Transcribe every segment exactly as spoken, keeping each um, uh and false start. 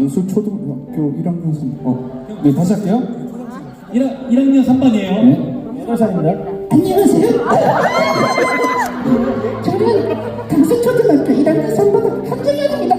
강수초등학교 일 학년 삼 반. 어, 네, 다시 할게요. 일 학년 삼 반이에요. 네, 여덟 살입니다. 안녕하세요. 저는 강서초등학교 일 학년 삼 반 한정현입니다.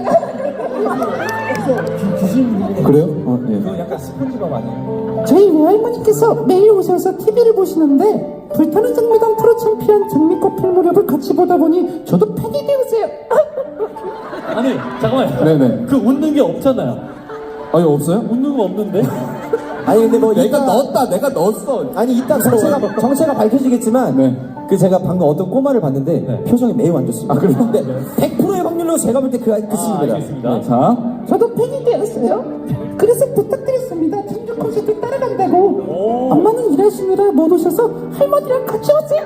그래요? 어, 네. 약간 스폰지밥 아니에요? 저희 외할머니께서 매일 오셔서 티비를 보시는데 불타는 장미단 프로 챔피언 장미꽃필 무렵을 같이 보다 보니 저도 팬이 되었어요. 아니 잠깐만요. 네네. 그 웃는 게 없잖아요. 아니, 없어요? 웃는 거 없는데? 아니 근데 뭐 내가 이따- 넣었다, 내가 넣었어. 아니 이따 정체가 정체가 밝혀지겠지만 네. 그 제가 방금 어떤 꼬마를 봤는데 네. 표정이 매우 안 좋습니다. 아, 그래요? 네. 백 퍼센트의 확률로 제가 볼 때 그 그 친구입니다. 알겠습니다. 네, 자. 저도 팬이 되었어요. 그래서 부탁드렸습니다. 청주 콘서트 따라간다고. 엄마는 일하시느라 못 오셔서 할머니랑 같이 오세요.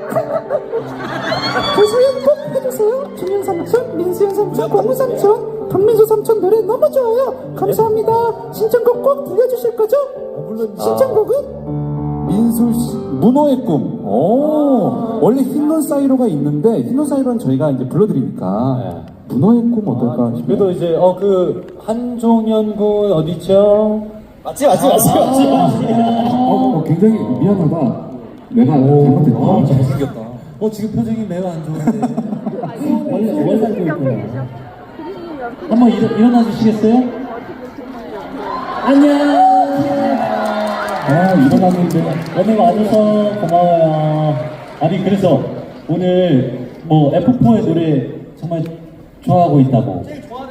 조소연 꼭 해주세요. 준현 삼촌, 민수현 삼촌, 공우 삼촌, 박민수 삼촌 노래 너무 좋아요. 감사합니다. 신청곡 꼭 들려주실 거죠? 신청곡은? 민수 씨, 문어의 꿈. 오, 원래 흰눈 사이로가 있는데, 흰눈 사이로는 저희가 이제 불러드리니까, 네. 문어의 꿈 어떨까 싶어요. 그래도 이제 어 그 한종현 군 어디죠? 맞지 맞지 맞지 맞지. 어, 어, 굉장히 미안하다. 내가 잘못했다. 잘생겼다. 어 지금 표정이 매우 안 좋은데. 원래 원래 살고 있구나. 한번 일어, 일어나 주시겠어요? 안녕. 아, 일어났는데. 오늘 와줘서 고마워요. 아니 그래서 오늘 뭐 에프포의 노래 정말 좋아하고 있다고.